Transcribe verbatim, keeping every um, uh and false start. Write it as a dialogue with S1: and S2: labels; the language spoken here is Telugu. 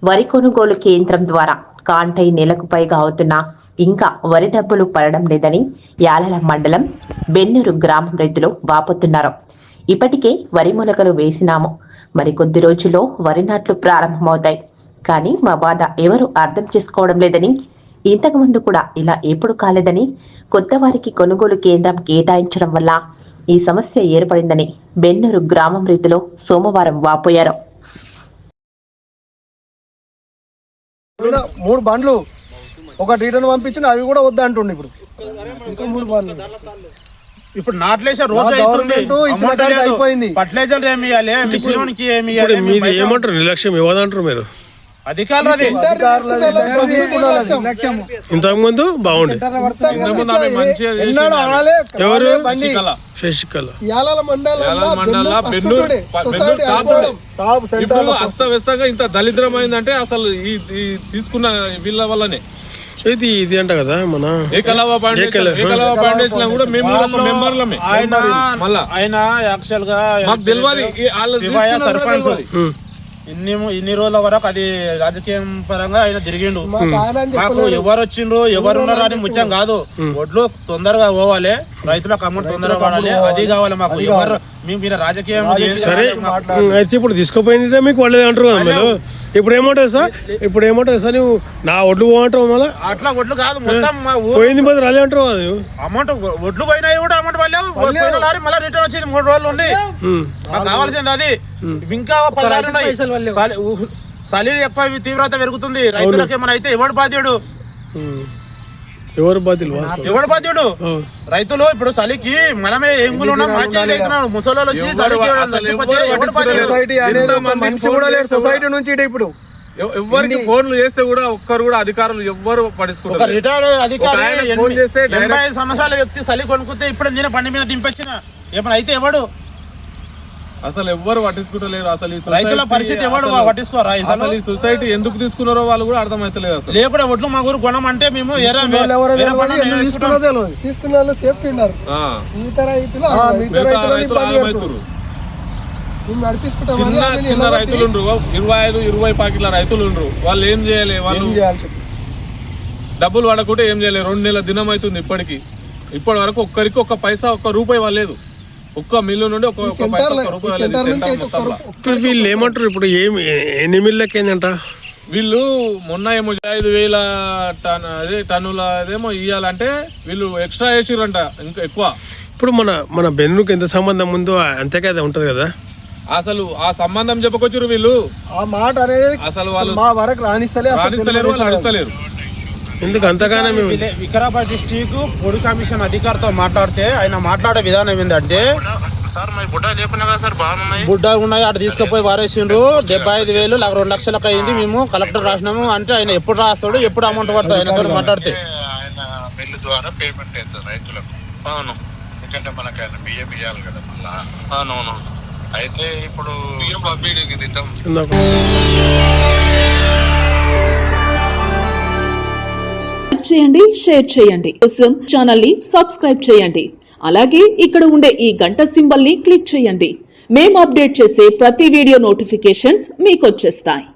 S1: వరి కొనుగోలు కేంద్రం ద్వారా కాంటై నెలకు పైగా అవుతున్నా ఇంకా వరి డబ్బులు పడడం లేదని యాలల మండలం బెన్నూరు గ్రామం రైతులు వాపోతున్నారు. ఇప్పటికే వరి మొలకలు వేసినాము, మరి కొద్ది రోజుల్లో వరి నాట్లు ప్రారంభమవుతాయి. కానీ మా బాధ ఎవరు అర్థం చేసుకోవడం లేదని, ఇంతకు ముందు కూడా ఇలా ఎప్పుడు కాలేదని, కొత్త వారికి కొనుగోలు కేంద్రం కేటాయించడం వల్ల ఈ సమస్య ఏర్పడిందని బెన్నూరు గ్రామం రైతులు సోమవారం వాపోయారు.
S2: మూడు బండ్లు ఒక రిటర్న్ పంపించిన అవి కూడా వద్దా అంటుండే. ఇప్పుడు ఇంకా మూడు బండ్లు
S3: ఇప్పుడు నాట్లేసే రోజు అయిపోయింది. ఫర్టిలైజర్ ఏమి ఇవ్వాలి, మిశ్రమానికి ఏమి ఇవ్వాలి,
S4: మీది ఏమంటారు? నిర్లక్ష్యం ఇవ్వదంటారు మీరు
S3: అధికారులు.
S4: ఇంతకు ముందు బాగుండే ఎవరు శశికళ
S5: ఇప్పుడు అస్తవ్యస్తంగా ఇంత దళిద్రమైందంటే అసలు ఈ తీసుకున్న వీళ్ళ వల్లనే.
S4: ఇది ఇది అంట కదా మన
S5: ఏకలవ ఫౌండేషన్ కూడా మేము మెంబర్లమే.
S3: ఆయన మళ్ళా ఆయన యాక్చువల్ గా
S5: మాకు తెలియదు
S3: సర్పంచ్ ఇన్ని ఇన్ని రోజుల వరకు అది రాజకీయం పరంగా ఆయన తిరిగిండు. మాకు ఎవరు వచ్చిండ్రు ఎవరు ఉన్నారు అని ముఖ్యం కాదు. ఒడ్లు తొందరగా పోవాలి, రైతులకు అమౌంట్ తొందరగా పడాలి, అది కావాలి మాకు. ఎవరు మేము రాజకీయం
S4: సరే అయితే ఇప్పుడు తీసుకుపోయింది మీకు వాళ్ళే అంటారు కదా మీరు. ఇప్పుడు ఏమంటుంది సార్ ఇప్పుడు ఏమంటుంది సార్ నువ్వు నా ఒడ్లు పోమంటావు మళ్ళీ?
S3: అట్లా ఒడ్లు కాదు, మొత్తం
S4: పోయింది పోతే రాలే అంటారు. అది
S3: అమౌంట్ ఒడ్లు పోయినాయి కూడా అమౌంట్ పడలేవు. మళ్ళీ రిటర్న్ వచ్చింది మూడు రోజులు ఉండి. మాకు కావాల్సింది అది. ఇంకా చలి ఎక్కువ తీవ్రత పెరుగుతుంది. రైతులకు ఏమైనా అయితే ఎవడు బాధ్యుడు?
S4: ఎవరు బాధ్యులు?
S3: ఎవడు బాధ్యుడు? రైతులు ఇప్పుడు చలికి మనమే ఎంగులు ముసలి వచ్చి
S2: సొసైటీ నుంచి ఇప్పుడు
S5: ఎవరికి ఫోన్లు చేస్తే కూడా ఒక్కరు కూడా అధికారులు ఎవ్వరు పట్టించుకుంటారు.
S3: రిటైర్డ్ అధికారి ఎనభై ఐదు సంవత్సరాల వ్యక్తి చలి కొనుక్కుంటే ఇప్పుడు నేను బండి మీద దింపొచ్చిన ఏమైనా అయితే ఎవడు?
S5: అసలు ఎవ్వరు పట్టించుకుంటలేరు. అసలు
S3: రైతుల పరిస్థితి ఎవరు పట్టించుకోరా?
S5: అసలు ఈ సొసైటీ ఎందుకు తీసుకున్నారో వాళ్ళు కూడా అర్థమైతలేదు. అసలు
S3: లేకుండా ఒట్లు మా ఊరు కొనం అంటే మేము చిన్న చిన్న రైతులు ఇరవై ఐదు ఇరవై పాకెట్ల రైతులు ఉండ్రు. వాళ్ళు ఏం చేయాలి? వాళ్ళు డబ్బులు పడకుంటే ఏం చేయాలి? రెండు నెలల దినం అవుతుంది ఇప్పటికి. ఇప్పటి వరకు ఒక్కరికి ఒక్క పైసా ఒక్క రూపాయి వాళ్ళలేదు. ఒక్క మిల్లు నుండి
S4: వీళ్ళు ఏమంటారు? ఇప్పుడు ఏమి ఎన్ని మిల్లకి ఏంటంట?
S5: వీళ్ళు మొన్న ఏమో ఐదు వేల టన్ అదే టన్నుల అదేమో ఇవ్వాలంటే వీళ్ళు ఎక్స్ట్రా వేసిరంట ఇంకా ఎక్కువ.
S4: ఇప్పుడు మన మన బెన్నూరుకి ఎంత సంబంధం ఉందో అంతే కదా ఉంటది కదా.
S5: అసలు ఆ సంబంధం చెప్పుకొచ్చారు వీళ్ళు.
S2: ఆ మాట అనేది
S5: అసలు వాళ్ళు
S2: మా వరకు రాణిస్తలేరు,
S5: రాణిస్తలేరు, వాళ్ళు అడుగుతలేరు.
S4: ఎందుకు అంతగానే?
S3: వికారాబాద్ డిస్ట్రిక్ట్ పొడి కమిషన్ అధికారితో మాట్లాడితే ఆయన మాట్లాడే విధానం ఏంటంటే, బుడ్డ ఉన్నాయి అటు తీసుకుపోయి వారేసిండ్రు, డెబ్బై ఐదు వేలు నాకు రెండు లక్షలకు అయింది, మేము కలెక్టర్ రాసినాము అంటే ఆయన ఎప్పుడు రాస్తాడు, ఎప్పుడు అమౌంట్ పడుతుంది ఆయనతో మాట్లాడితే.
S6: బిల్లు ద్వారా పేమెంట్ అవుతుంది రైతులకు. అవును, ఎందుకంటే మనకు ఆయన బియ్యం ఇవ్వాలి కదా మళ్ళా. అవునవును. అయితే ఇప్పుడు బియ్యం పంపిణీకి దిద్దాం.
S7: చేయండి, షేర్ చేయండి, కోసం ఛానల్ ని సబ్స్క్రైబ్ చేయండి. అలాగే ఇక్కడ ఉండే ఈ గంట సింబల్ ని క్లిక్ చేయండి. మేము అప్డేట్ చేసే ప్రతి వీడియో నోటిఫికేషన్స్ మీకు వచ్చేస్తాయి.